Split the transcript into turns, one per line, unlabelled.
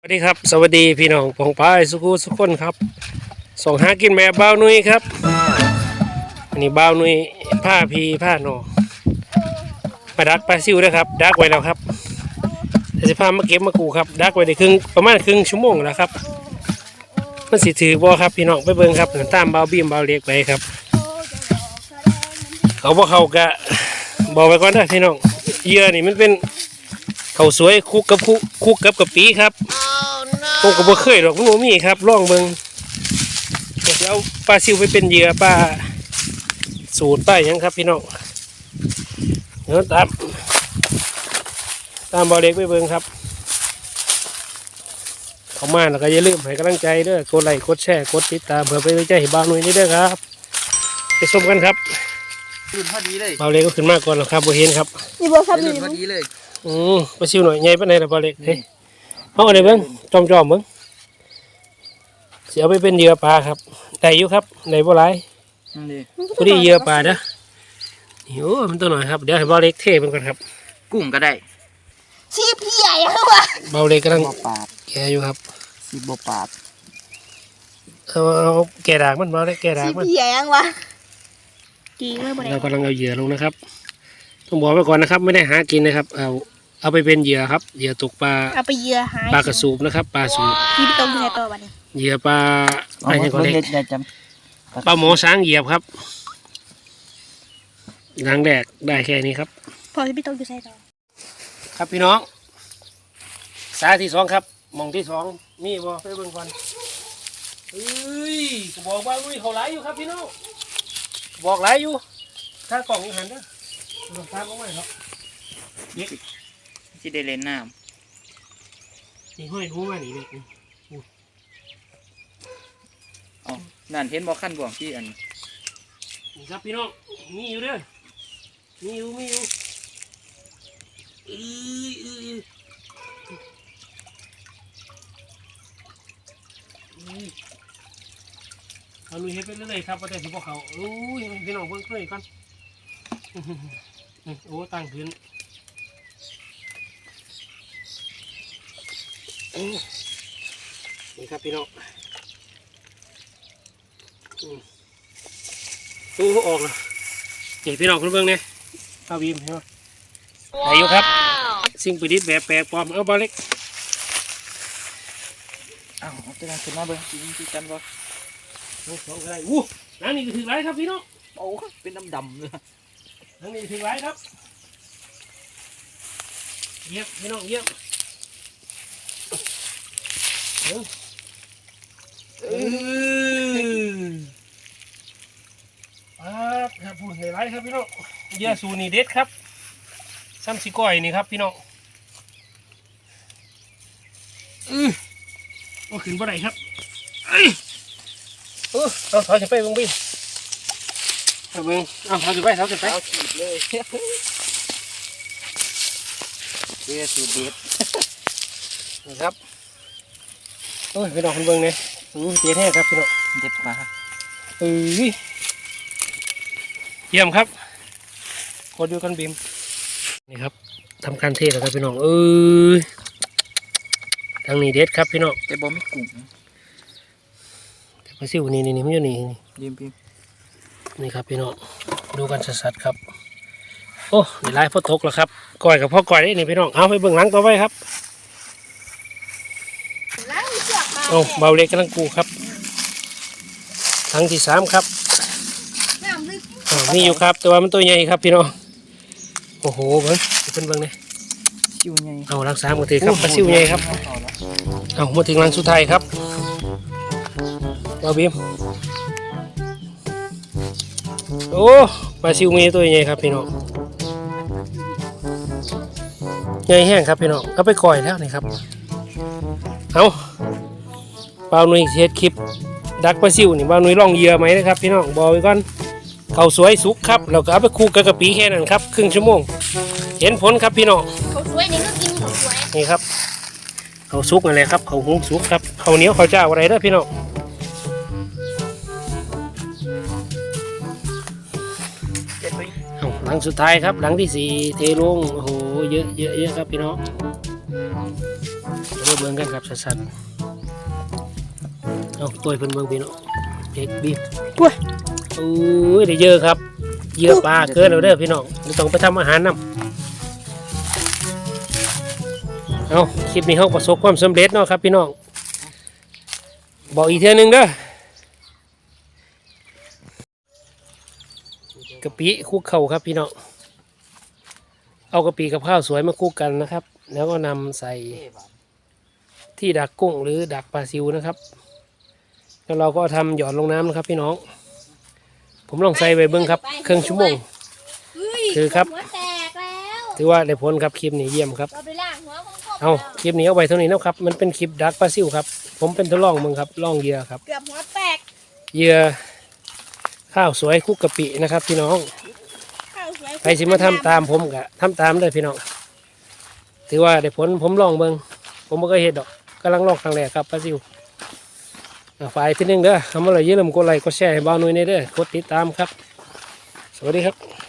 สวัสดีครับสวัสดีพี่น้องปองปายสุขุสุขคนครับส่งหากินแบบบ่าวนุ้ยครับอันนี้บ่าวนุ้ยผ้าพีผ้าหนอมาดักปลาซิวนะครับดักไว้แล้วครับจะพามาเก็บมากูครับดักไว้ได้ประมาณครึ่งชั่วโมงแล้วครับมันสิถือบ่ครับพี่น้องไปเบิ่งครับตามบ่าวบีมบ่าวเล็กไปครับเขาบ่เขากะบอกไว้ก่อนนะพี่น้องเหยื่อนี่มันเป็นเขาสวยคุกกับกะปิครับผมก็บ่เคยหรอกมันบ่มีครับลองเบิ่งจะเอาปลาซิวไปเป็นเหยื่อปลาสูตรป้ายังครับพี่น้องเดี๋ยวตามบ่อเล็กไปเบิ่งครับเข้ามาแล้วก็อย่าลืมให้กำลังใจเด้อกดไลค์กดแชร์กดติดตามเพื่อเป็นกำลังใจให้บ่าวหนุ่ยนี่เด้อครับไปชมกันครับ
ขึ้นพอดีเลย
บ่าวเล็กก็ขึ้นมาก่อนแล้วครับบ่เห็นครับ
นี่บ่ครับนี่
พอดีเลย
ปลาซิวหน่อยใหญ่ปานใดล่ะบ่าวเล็กเฮ้ยเอาอันนี้เบิ่งจอมเบิ่งสิเอาไปเป็นเหยื่อปลาครับได้อยู่ครับได้บ่หลายพอดีเหยื่อปลาเด้อโอ้มันตัวหน่อยครับเดี๋ยวให้บ่าวเล็กเทมันก่อนครับ
กุ้งก็ได้
ชีพใหญ่ครับวะ
บ่าวเล็กกำลัง
ปาด
แกะอยู่ครับ
สีบปาด
เอาแกะดากมันบ่าวเล็กแกะดากมัน
ชีพใหญ่ยังวะจริงเลยบ่ได้
เรากำลังเอาเหยื่อลงนะครับต้องบอกไว้ก่อนนะครับไม่ได้หากินนะครับเอาไปเป็นเหยื่อครับเหยื่อตกปลา
เอาไปเหยื่อหา
ปลากระสูบนะครับปลาสูบ
ที่ตรงที่ไหนต่อบัดนี้
เหยื่อปลาอะไรก็เล็กปลาหมอช้างเหยียบครับหลังแดกได้แค่นี้ครับ
พอที่พี่ตรงอยู่ใส่ต่อ
ครับพี่น้องสายที่สองครับมองที่สองมีบ่ไปเบิ่งก่อนเฮ้ยก็บอกว่าลุยเขาไหลอยู่ครับพี่น้องบอกไหลอยู่ถ้ากล่องอยู่หันเด้อลงตามลงไปครับ
ที่ได้เล่นน้
ำนี่ห้อยหูมาหนีเลย
อ๋อนั่นเห็นบ่ขั้นบ่วงที่อัน
นี่ครับพี่น้องมีอยู่เด้อมีอยู่เอาลุยให้ไปเรื่อยๆครับว่าแต่ที่พวกเขาโอ้ยพี่น้องเบิ่งเคยก่อนโอ้ตั้งพื้นนี่ครับพี่น้องโอ้ออกแล้วนี่พี่น้องคุณเบิ่งเนี่ยเอาบีมใช่ไหมอายุครับสิ่งประดิษฐ์แบบแปลกปลอมเอาบอลเล็ก
อ้าวจะนั่งขึ้นมาเบิ่งกินกันบ่
สองอะไรนั่นนี่ก็ถึงไรครับพี่น้อง
โอ้เป็นดำเลย
นั่นนี่ถึงไรครับเยี่ยมพี่น้องเยี่ยมครับพูดให้ไรครับพี่น้องเยี่ยสูนีเด็ดครับซ้ำสิก้อยนี่ครับพี่น้องก็ขึ้นบ่ได้ครับเอาถอยจะไปเบิ่งบินเอาเบิ่งเอาถอยจะไป
เอาขีดเลยเยี่ยสูเด็ด
นะครับโอ้ยพี่น้องคุณเบิ่งเนี่ยเจ๊แท้ครับพี่น้อง
เด็ดปลา
เยี่ยมครับกดอยู่กันบีมนี่ครับทำการเทแล้วครับพี่น้องทางนี้เด็ดครับพี่น้อง
แต่บ่มีกุ้ง
แต่ปลาซิวนี่มันอยู่นี่
ยิ้ม
นี่ครับพี่น้องดูกันชัดๆครับโอ้ในไลฟ์พ่อตกแล้วครับก่อยกับพ่อก่อยได้นี่พี่น้องเอาไปเบิ่งหลังต่อไปครับเอาเบาเล็กกำลังกูครับครั้งที่สามครับมีอยู่ครับแต่ว่ามันตัวใหญ่ครับพี่น้องโอ้โหเบิ้งเป็นเบิ้งเนี่ย
ซิวใหญ่
เอารักษาหมดทีครับปลาซิวใหญ่ครับเอามาถึงรังสุดท้ายครับเอาบีมโอ้ปลาซิวมีตัวใหญ่ครับพี่น้องใหญ่แห้งครับพี่น้องเอาไปก่อยแล้วนี่ครับเอาเปล่าหนุ่ยเทสคลิปดักปลาซิวนี่เปล่าหนุ่ยล่องเหยื่อไหมนะครับพี่น้องบอกไว้ก่อนเขาสวยสุกครับเราก็เอาไปคู่กับกะปิแค่นั้นครับครึ่งชั่วโมงเห็นผลครับพี่น้อง
เขาสวยนี่ก็กินเขาสวย
นี่ครับเขาสุกอะไรครับเขาหุงสุกครับเขาเหนียวเขาเจ้าอะไรเด้อพี่น้องหลังสุดท้ายครับหลังที่สี่เทลงโอ้โหเยอะครับพี่น้องเบิ่งกันครับสั้นๆเอาตัวเพิ่นเบิ่งพี่น้องเด็กบีบ
อุ้ย
โอ้ยได้เยอะครับเหยื่อปลาเกินแล้วเด้อพี่น้องไม่ต้องไปทำอาหารนำเอาคลิปนี้เขาประสบความสำเร็จเนาะครับพี่น้องบอกอีกเทื่อนึงเด้อกะปิคลุกเข่าครับพี่น้องเอากะปิกับข้าวสวยมาคลุกกันนะครับ แล้วก็นำใส่ที่ดักกุ้งหรือดักปลาซิวนะครับแล้วเราก็ทำหยอดลงน้ำนะครับพี่น้องผมลองใส่ไปเบิ้งครับครึ่งชั่วโมงคือครับ
หัวแตกแล้ว
ถือว่าได้ผลครับคลิปนี้เยี่ยมครับ
เราไปล้างหัวของ
เอาคลิปนี้เอาไว้เท่านี้นะครับมันเป็นคลิปดักปลาซิวครับผมเป็นทดลองมึงครับลองเหยื่อครับ
เกือบหัวแตก
เหยื่อข้าวสวยคลุกกะปินะครับพี่น้อง
ข้าวสวย
ใครสิมาทำตามผมกะทำตามเลยพี่น้องถือว่าได้ผลผมลองเบิ่งผมไม่เคยเห็นดอกกำลังลองครั้งแรกครับปลาซิวฝ่ายที่หนึ่งเด้อทำอะไรอย่าลืมกดไลค์กดแชร์ให้บ่าวนุ้ยในเด้อกดติดตามครับสวัสดีครับ